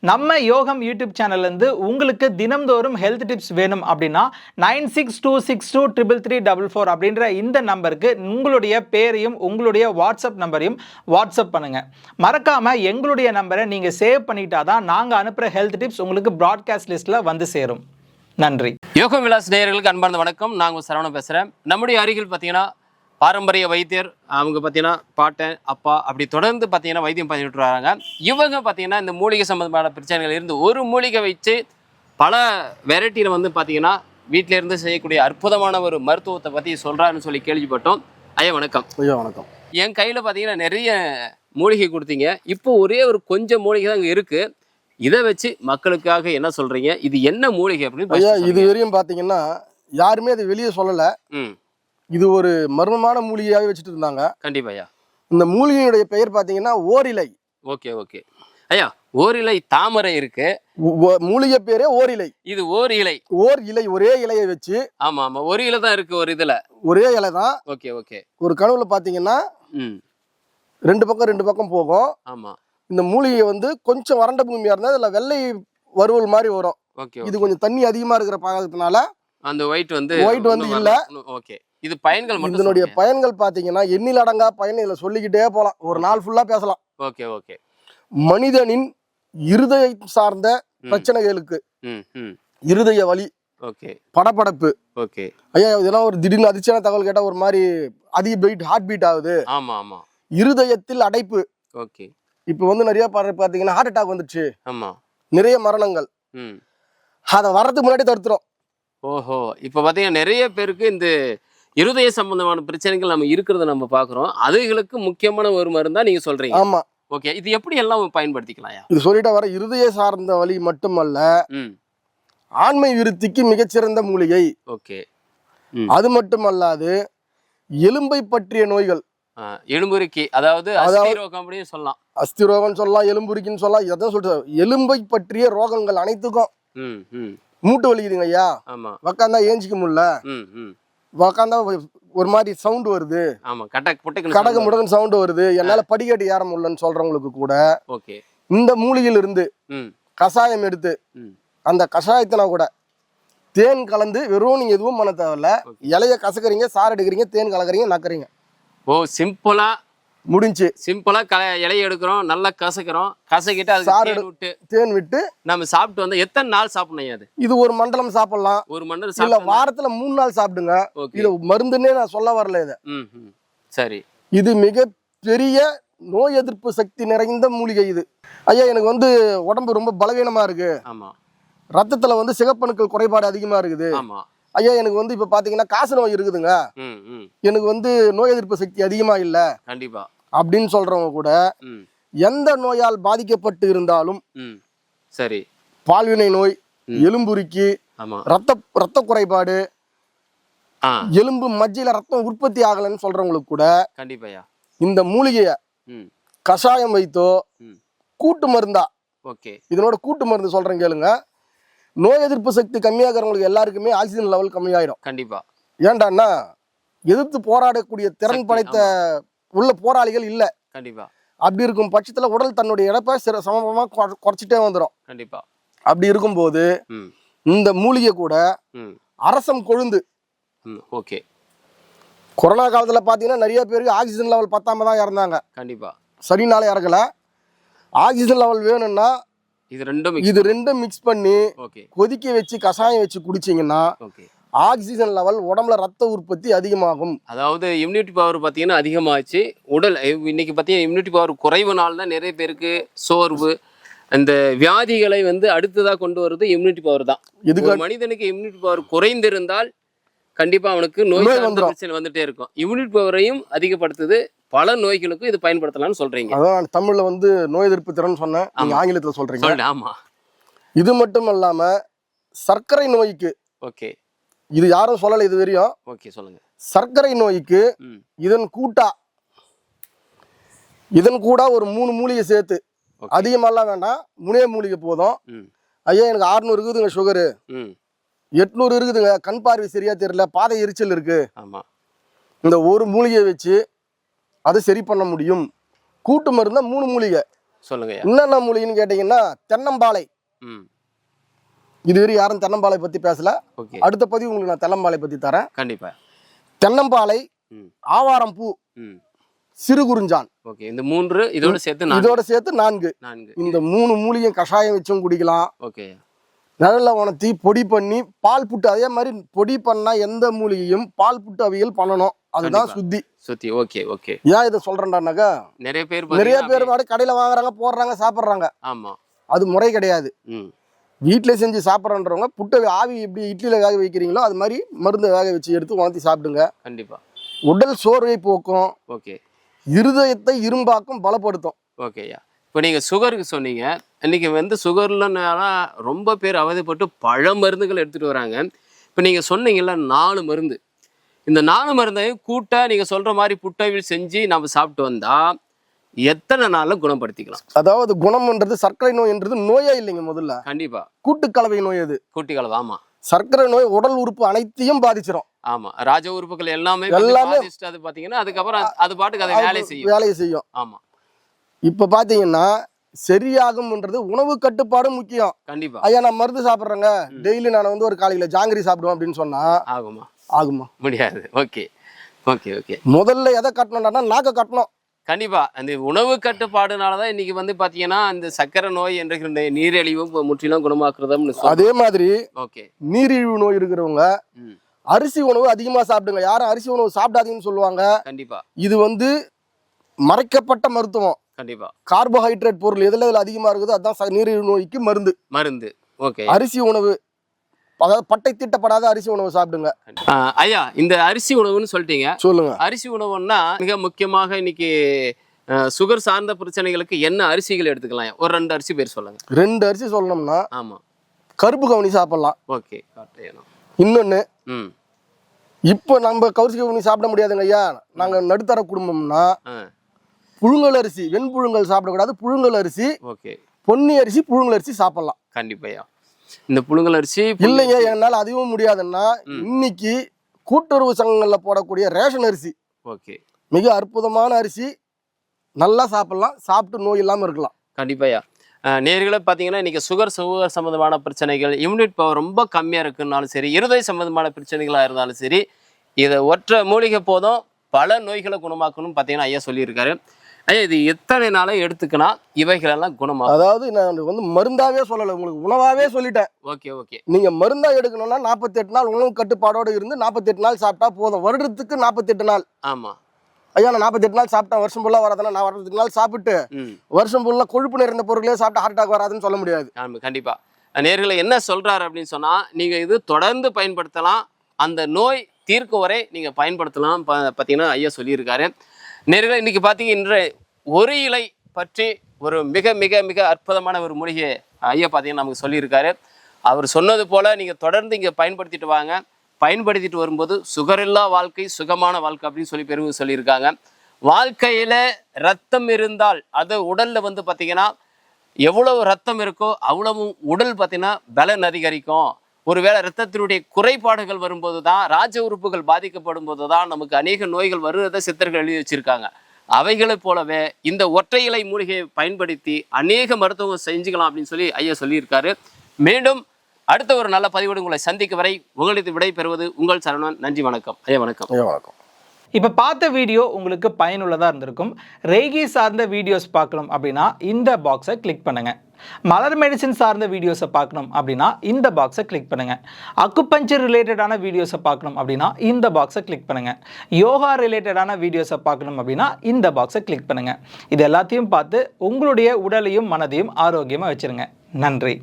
நம்ம யோகம் யூடியூப் சேனல்லேருந்து உங்களுக்கு தினம்தோறும் ஹெல்த் டிப்ஸ் வேணும் அப்படின்னா 9626233344 அப்படின்ற இந்த நம்பருக்கு உங்களுடைய பேரையும் உங்களுடைய வாட்ஸ்அப் நம்பரையும் வாட்ஸ்அப் பண்ணுங்க. மறக்காம எங்களுடைய நம்பரை நீங்க சேவ் பண்ணிட்டாதான் நாங்கள் அனுப்புகிற ஹெல்த் டிப்ஸ் உங்களுக்கு ப்ராட்காஸ்ட் லிஸ்ட்ல வந்து சேரும். நன்றி. யோகம் விலாஸ் நேயர்களுக்கு அன்பார்ந்த வணக்கம். நாங்கள் சரவணன் பேசுகிறேன். நம்முடைய அருகில் பார்த்தீங்கன்னா பாரம்பரிய வைத்தியர், அவங்க பார்த்தீங்கன்னா பாட்டன் அப்பா அப்படி தொடர்ந்து பார்த்தீங்கன்னா வைத்தியம் பண்ணிட்டு வராங்க. இவங்க பார்த்தீங்கன்னா இந்த மூலிகை சம்மந்தமான பிரச்சனைகள் இருந்து ஒரு மூலிகை வச்சு பல வெரைட்டியில் வந்து பார்த்தீங்கன்னா வீட்டில இருந்து செய்யக்கூடிய அற்புதமான ஒரு மருத்துவத்தை பற்றி சொல்கிறாருன்னு சொல்லி கேள்விப்பட்டோம். ஐயா வணக்கம். ஐயா வணக்கம். என் கையில் பார்த்தீங்கன்னா நிறைய மூலிகை கொடுத்தீங்க. இப்போ ஒரே ஒரு கொஞ்சம் மூலிகை தான் அங்கே இருக்குது. இதை வச்சு மக்களுக்காக என்ன சொல்கிறீங்க? இது என்ன மூலிகை அப்படின்னு? ஐயா இது வரையும் பார்த்தீங்கன்னா யாருமே அதை வெளியே சொல்லலை. இது ஒரு மர்மமான மூலிகையாகவே வச்சுட்டு இருந்தாங்க. கண்டிப்பா ஐயா. இந்த மூலிகையுடைய பெயர் பார்த்தீங்கன்னா ஓரிலை. ஓகே ஓகே ஐயா. ஓரிலை தாமரை இருக்கு, மூலிகை பேரே ஓரிலை. இது ஓர் இலை. ஓர் இலை, ஒரே இலையை வச்சு. ஆமா ஆமா, ஒரு இலை தான் இருக்கு ஒரு இதுல. ஒரே இலை தான். Okay okay. ஒரு கனவுல பார்த்தீங்கன்னா ரெண்டு பக்கம் போகும். ஆமா. இந்த மூலிகை வந்து கொஞ்சம் வறண்ட பூமியா இருந்தா அதுல வெள்ளை வறுவல் மாதிரி வரும். இது கொஞ்சம் தண்ணி அதிகமா இருக்கிற பாகத்தினால அந்த ஒயிட் வந்து இல்ல. ஓகே. இது பயன்கள் மட்டும். இதனுடைய பயன்கள் பாத்தீங்கன்னா எண்ணில் அடங்கா பயன் இதுல சொல்லிக்கிட்டே போலாம். ஒரு நாள் ஃபுல்லா பேசலாம். Okay okay. மனிதனின் இருதயம் சார்ந்த பிரச்சனைகளுக்கு, இருதய வலி, ஓகே, படபடப்பு, ஓகே ஐயா இதெல்லாம் ஒரு திடீர்னு அதிர்ச்சியான தகவல் கேட்டா ஒரு மாதிரி அதிக பீட், ஹார்ட் பீட் ஆகுது. ஆமா ஆமா. இருதயத்தில் அடைப்பு. ஓகே. இப்ப வந்து நிறைய பாத்தீங்கன்னா ஹார்ட் அட்டாக் வந்துச்சு. ஆமா. நிறைய மரணங்கள். அதை வர்றதுக்கு முன்னாடி தடுத்துரும். ஓஹோ. இப்ப பாத்தீங்கன்னா நிறைய பேருக்கு இந்த இருதய சம்பந்தமான பிரச்சனைகள் நம்ம இருக்கிறத நம்ம பாக்குறோம். அதுகளுக்கு முக்கியமான ஒரு மருந்தா நீங்க சொல்றீங்க. ஆமா. ஓகே. இது எப்படி எல்லாம் பயன்படுத்திக்கலாம்? இது சொல்லிட்டா வர இருதய சார்ந்த வலி மட்டுமல்ல, ஆண்மை விருத்திக்கு மிகச்சிறந்த மூலிகை. ஓகே. அது மட்டுமல்லாது எலும்பை பற்றிய நோய்கள், எலும்புருக்கி, அதாவது அஸ்திரோகம் அப்படின்னு சொல்லலாம். அஸ்திரோகம் சொல்லலாம், எலும்புருக்கின்னு சொல்லலாம். எதாவது சொல்றது எலும்பை பற்றிய ரோகங்கள் அனைத்துக்கும். மூட்டு வலிக்குதுங்க ஐயா, உக்காந்தா ஏஞ்சிக்க முடியல, உக்காந்தா ஒரு மாதிரி சவுண்ட் வருது, கடக முடகன் சவுண்ட் வருது, என்னால படிக்கட்டு ஏற முடியலன்னு சொல்றவங்களுக்கு கூட இந்த மூலிகையில இருந்து கஷாயம் எடுத்து அந்த கஷாயத்தினா கூட தேன் கலந்து, வெறும் நீங்க எதுவும் பண்ண தேவையில்ல, இலைய கசக்குறீங்க, சாறு எடுக்கிறீங்க, தேன் கலக்குறீங்க, நக்குறீங்க. ஓ, சிம்பிளா முடிஞ்சு. சிம்பிளா இலைய எடுக்கிறோம், நல்லா கசக்கிறோம், கசக்கிட்டு அது சாறு விட்டு தேன் விட்டு நம்ம சாப்பிட்டு வந்து எத்தனை நாள் சாப்பிடணும்? அது இது ஒரு மண்டலம் சாப்பிடலாம். ஒரு மண்டலம் இல்ல வாரத்துல 3 நாள் சாப்பிடுங்க. இது மருந்துன்னே நான் சொல்ல வரல. இது சரி. இது மிக பெரிய நோய் எதிர்ப்பு சக்தி நிறைந்த மூலிகை. இது ஐயா எனக்கு வந்து உடம்பு ரொம்ப பலவீனமா இருக்கு. ஆமா. ரத்தத்துல வந்து சிகப்பணுக்கள் குறைபாடு அதிகமா இருக்குது. ஆமா. ஐயா எனக்கு வந்து இப்ப பாத்தீங்கன்னா காசு நோய் இருக்குதுங்க, எனக்கு வந்து நோய் எதிர்ப்பு சக்தி அதிகமா இல்ல கண்டிப்பா அப்படின்னு சொல்றவங்க கூட எந்த நோயால் பாதிக்கப்பட்டு இருந்தாலும், சரி, பால்வினை நோய், எலும்புருக்கி, ரத்த குறைபாடு, எலும்பு மஜ்ஜையில ரத்தம் உற்பத்தி ஆகலன்னு சொல்றவங்களுக்கு கூட கண்டிப்பா இந்த மூலிகைய கஷாயம் வைத்தோ கூட்டு மருந்தா, இதனோட கூட்டு மருந்து சொல்றேன் கேளுங்க, நோய் எதிர்ப்பு சக்தி கம்மியாகிறவங்களுக்கு எல்லாருக்குமே ஆக்சிஜன் லெவல் கம்மியாயிடும். கண்டிப்பா. ஏன்டான்னா எதிர்த்து போராடக்கூடிய திறன் படைத்த உள்ள போராளிகள் இல்ல. கண்டிப்பா. அப்படி இருக்கும் பட்சத்துல உடல் தன்னுடைய இழப்பை சமமா குறைச்சிட்டே வந்துடும். கண்டிப்பா. அப்படி இருக்கும்போது இந்த மூலிகை கூட அரசம் கொழுந்து. ஓகே. கொரோனா காலத்துல பாத்தீங்கன்னா நிறைய பேருக்கு ஆக்சிஜன் லெவல் பத்தாம தான் இறந்தாங்க. கண்டிப்பா. சரினால இறக்கல. ஆக்சிஜன் லெவல் வேணும்னா இது ரெண்டும் மிக்ஸ் பண்ணி கொதிக்க வச்சு கஷாயம் வச்சு குடிச்சீங்கன்னா ஆக்சிஜன் லெவல் உடம்புல ரத்த உற்பத்தி அதிகமாகும். அதாவது இம்யூனிட்டி பவர் பார்த்தீங்கன்னா அதிகமாச்சு. உடல் இன்னைக்கு பார்த்தீங்கன்னா இம்யூனிட்டி பவர் குறைவுனால தான் நிறைய பேருக்கு சோர்வு, அந்த வியாதிகளை வந்து அடுத்ததாக கொண்டு வருது இம்யூனிட்டி பவர் தான். இதுக்கு மனிதனுக்கு இம்யூனிட்டி பவர் குறைந்திருந்தால் கண்டிப்பா அவனுக்கு நோய் பிரச்சனை வந்துட்டே இருக்கும். இம்யூனிட்டி பவரையும் அதிகப்படுத்துது. பல நோய்களுக்கும் இது பயன்படுத்தலாம்னு சொல்றீங்க. அதான் தமிழ்ல வந்து நோய் எதிர்ப்பு திறன் சொன்னேன், நீங்க ஆங்கிலத்துல சொல்றீங்க. ஆமா. இது மட்டும் இல்லாம சர்க்கரை நோய்க்கு, ஓகே, இது யாரும் சொல்லல இது வரையும். ஓகே, சொல்லுங்க. சர்க்கரை நோய்க்கு இதன் கூட ஒரு 3 மூலிகை சேர்த்து, அதிகமாலாம் வேண்டாம், 3 மூலிகை போதும். ஐயா எனக்கு 600 இருக்குதுங்க சுகரு, 800 இருக்குதுங்க, கண் பார்வை சரியா தெரியல, பாதை எரிச்சல் இருக்கு, இந்த ஒரு மூலிகையை வச்சு அதை சரி பண்ண முடியும். கூட்டு மருந்தா 3 மூலிகை. சொல்லுங்க. என்னென்ன மூலிகைன்னு கேட்டீங்கன்னா தென்னம்பாலை. இதுவரை யாரும் தென்னம்பாலை பத்தி பேசல. அடுத்த பதிவு உங்களுக்கு நான் தென்னம்பாலை பத்தி தரேன். கண்டிப்பா. தென்னம்பாலை, ஆவாரம் பூ, சிறு குறிஞ்சான். ஓகே. இந்த 3 இதோட சேர்த்து 4. இந்த 3 மூலிகை கஷாயம் வச்சும் குடிக்கலாம். ஓகே. நல்ல உணர்த்தி பொடி பண்ணி பால் புட்டு, அதே மாதிரி பொடி பண்ணா எந்த மூலிகையும் பால் புட்டு அவியல் பண்ணணும். அதுதான் சுத்தி. Okay okay. ஏன் இதை சொல்றேன்னாக்கா நிறைய பேர் கடையில வாங்குறாங்க, போடுறாங்க, சாப்பிடுறாங்க. ஆமா, அது முறை கிடையாது. வீட்டில செஞ்சு சாப்பிட்றன்றவங்க புட்டை ஆவி எப்படி இட்லியில வேக வைக்கிறீங்களோ அது மாதிரி மருந்து வேக வச்சு எடுத்து உணர்த்தி சாப்பிடுங்க. கண்டிப்பா. உடல் சோர்வை போக்கும். ஓகே. இருதயத்தை இரும்பாக்கும், பலப்படுத்தும். ஓகேயா. இப்போ நீங்கள் சுகருக்கு சொன்னீங்க. இன்றைக்கி வந்து சுகர்லன்னா ரொம்ப பேர் அவதிப்பட்டு பல மருந்துகள் எடுத்துகிட்டு வராங்க. இப்போ நீங்கள் சொன்னீங்கல்ல 4 மருந்து, இந்த 4 மருந்தையும் கூட்ட நீங்கள் சொல்கிற மாதிரி புட்டவில் செஞ்சு நம்ம சாப்பிட்டு வந்தால் எத்தனை நாளில் குணப்படுத்திக்கலாம்? அதாவது குணம்ன்றது சர்க்கரை நோய்ன்றது நோயே இல்லைங்க. முதல்ல கண்டிப்பாக கூட்டுக்கலவை நோய். அது கூட்டுக்கலவை. ஆமாம். சர்க்கரை நோய் உடல் உறுப்பு அனைத்தையும் பாதிச்சிடும். ஆமா, ராஜ உறுப்புகள் எல்லாமே அது பாத்தீங்கன்னா அதுக்கப்புறம் அது பாட்டுக்கு அதை வேலையை செய்யும். ஆமா. இப்ப பாத்தீங்கன்னா சரியாகும்ன்றது உணவு கட்டுப்பாடு முக்கியம். கண்டிப்பா. ஐயா நான் மருந்து சாப்பிடுறேங்க, டெய்லி நான் வந்து ஒரு காலையில ஜாங்கிரி சாப்பிடுவேன் அப்படின்னு சொன்னா ஆகுமா? முடியாது. Okay okay okay. முதல்ல எதை கட்டணும்னா நாக்க கட்டணும். கண்டிப்பா. அந்த உணவு கட்டுப்பாடுனாலதான் இன்னைக்கு வந்து பாத்தீங்கன்னா இந்த சக்கரை நோய் என்ற நீரிழிவு முற்றிலும் குணமாக்குறதும். அதே மாதிரி நீரிழிவு நோய் இருக்கிறவங்க அரிசி உணவு அதிகமா சாப்பிடுங்க. யாரும் அரிசி உணவு சாப்பிடாதீங்கன்னு சொல்லுவாங்க. கண்டிப்பா. இது வந்து மறைக்கப்பட்ட மருத்துவம். கண்டிப்பா. கார்போஹைட்ரேட் பொருள் எதுல அதிகமா இருக்குதோ அதான் நீரிழிவு நோய்க்கு மருந்து. ஓகே. அரிசி உணவு, அதாவது பட்டை தீட்டப்படாத அரிசி உணவு சாப்பிடுங்க. ஐயா, இந்த அரிசி உணவுன்னு சொல்லிட்டீங்க. சொல்லுங்க. அரிசி உணவுன்னா மிக முக்கியமாக இன்னைக்கு சுகர் சார்ந்த பிரச்சனைகளுக்கு என்ன அரிசிகள் எடுத்துக்கலாம்? ஒரு 2 அரிசி பேர் சொல்லுங்க. 2 அரிசி சொல்லணும்னா ஆமா, கருப்பு கவுனி சாப்பிடலாம். ஓகே. இன்னொன்னு, இப்போ நம்ம கவுசி கவுனி சாப்பிட முடியாதுங்க ஐயா, நாங்க நடுத்தர குடும்பம்னா புழுங்கல் அரிசி, வெண்புழுங்கல் சாப்பிடக்கூடாது. புழுங்கல் அரிசி, பொன்னி அரிசி, புழுங்கல் அரிசி சாப்பிடலாம். கண்டிப்பா. இந்த புழுங்கல் அரிசி இல்லைங்க என்னால அதுவும் முடியாதுன்னா இன்னைக்கு கூட்டுறவு சங்கங்கள்ல போடக்கூடிய ரேஷன் அரிசி மிக அற்புதமான அரிசி, நல்லா சாப்பிடலாம். சாப்பிட்டு நோய் இல்லாம இருக்கலாம். கண்டிப்பாயா. நேர்களை பார்த்தீங்கன்னா இன்றைக்கி சுகர் சம்மந்தமான பிரச்சனைகள், இம்யூனிட் பவர் ரொம்ப கம்மியாக இருக்குன்னாலும் சரி, இருதய சம்மந்தமான பிரச்சனைகளாக இருந்தாலும் சரி, இதை ஒற்றை மூலிகை போதும் பல நோய்களை குணமாக்கணும்னு பார்த்தீங்கன்னா ஐயா சொல்லியிருக்காரு. ஐயா, இது எத்தனை நாளை எடுத்துக்கினா இவைகளெல்லாம் குணமாகும்? அதாவது நான் வந்து மருந்தாவே சொல்லலை, உங்களுக்கு உணவாவே சொல்லிட்டேன். Okay okay. நீங்கள் மருந்தா எடுக்கணும்னா 48 நாள் உணவு கட்டுப்பாடோடு இருந்து 48 நாள் சாப்பிட்டா போதும். வருடத்துக்கு 48 நாள். ஆமாம் ஐயா, நான் 48 நாள் சாப்பிட்டேன், வருஷம் ஃபுல்லாக வராதுன்னா நான் 48 நாள் சாப்பிட்டு வருஷம் ஃபுல்லாக கொழுப்பு நிறைந்த பொருளே சாப்பிட்டு ஹார்ட் அட்டாக் வராதுன்னு சொல்ல முடியாது. கண்டிப்பா. நேர்களை என்ன சொல்றாரு அப்படின்னு சொன்னா, நீங்க இது தொடர்ந்து பயன்படுத்தலாம், அந்த நோய் தீர்க்கும் வரை நீங்க பயன்படுத்தலாம் பார்த்தீங்கன்னா ஐயா சொல்லியிருக்காரு. நேர்களை இன்னைக்கு பார்த்தீங்க, இன்று ஒரு இலை பற்றி ஒரு மிக மிக மிக அற்புதமான ஒரு மூலிகை ஐயா பார்த்தீங்கன்னா நமக்கு சொல்லியிருக்காரு. அவர் சொன்னது போல நீங்க தொடர்ந்து இங்கே பயன்படுத்திட்டு வாங்க. பயன்படுத்திட்டு வரும்போது சுகரில்லா வாழ்க்கை சுகமான வாழ்க்கை அப்படின்னு சொல்லி பெருமை சொல்லியிருக்காங்க. வாழ்க்கையில் ரத்தம் இருந்தால் அது உடலில் வந்து பார்த்திங்கன்னா எவ்வளவு ரத்தம் இருக்கோ அவ்வளவு உடல் பார்த்திங்கன்னா பலன் அதிகரிக்கும். ஒருவேளை ரத்தத்தினுடைய குறைபாடுகள் வரும்போது தான், ராஜ உறுப்புகள் பாதிக்கப்படும் போது தான் நமக்கு அநேக நோய்கள் வருவதை சித்தர்கள் எழுதி வச்சிருக்காங்க. அவைகளை போலவே இந்த ஒற்றை இலை மூலிகையை பயன்படுத்தி அநேக மருத்துவம் செஞ்சுக்கலாம் அப்படின்னு சொல்லி ஐயா சொல்லியிருக்காரு. மீண்டும் அடுத்த ஒரு நல்ல பதிவோடு உங்களை சந்திக்கும் வரை உங்களுக்கு விடை பெறுவது உங்கள் சரவணன். நன்றி, வணக்கம் ஐயா. வணக்கம். வணக்கம். இப்போ பார்த்த வீடியோ உங்களுக்கு பயனுள்ளதாக இருந்திருக்கும். ரேகி சார்ந்த வீடியோஸ் பார்க்கணும் அப்படின்னா இந்த பாக்ஸை கிளிக் பண்ணுங்கள். மலர் மெடிசின் சார்ந்த வீடியோஸை பார்க்கணும் அப்படின்னா இந்த பாக்ஸை கிளிக் பண்ணுங்கள். அக்குபஞ்சர் ரிலேட்டடான வீடியோஸை பார்க்கணும் அப்படின்னா இந்த பாக்ஸை கிளிக் பண்ணுங்கள். யோகா ரிலேட்டடான வீடியோஸை பார்க்கணும் அப்படின்னா இந்த பாக்ஸை கிளிக் பண்ணுங்கள். இது எல்லாத்தையும் பார்த்து உங்களுடைய உடலையும் மனதையும் ஆரோக்கியமாக வச்சுருங்க. நன்றி.